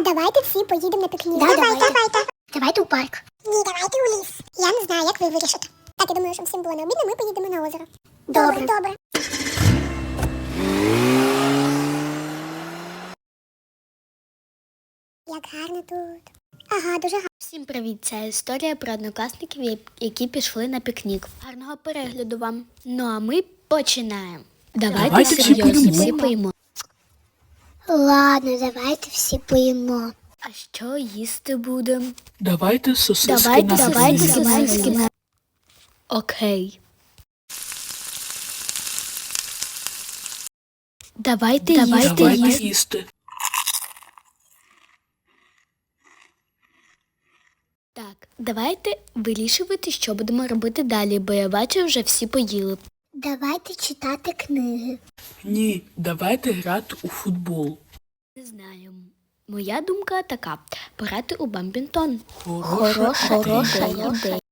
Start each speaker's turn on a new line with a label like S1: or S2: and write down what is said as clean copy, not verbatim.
S1: Давайте всі поїдемо на пікнік. Давайте у парк. Ні, давайте у ліс. Я не знаю, як ви вирішите. Так, я думаю, щоб всім було не обідно, ми поїдемо на озеро. Добре. Як гарно тут. Ага, дуже гарно.
S2: Всім привіт! Це історія про однокласників, які пішли на пікнік. Гарного перегляду вам. Ну а ми починаємо. Давайте серйозно всі поїмо.
S1: Ладно, давайте всі поїмо.
S2: А що їсти будемо?
S3: Давайте сосиски
S2: Давайте
S3: на грилі.
S2: сосиски. Окей. Давайте
S3: їсти.
S2: Так, давайте вирішувати, що будемо робити далі, бо я бачу, вже всі поїли.
S1: Давайте читати книги.
S3: Ні, давайте грати у футбол.
S2: Не знаю. Моя думка така. Пограти у бампінтон.
S3: Хороша ідея.
S2: ідея.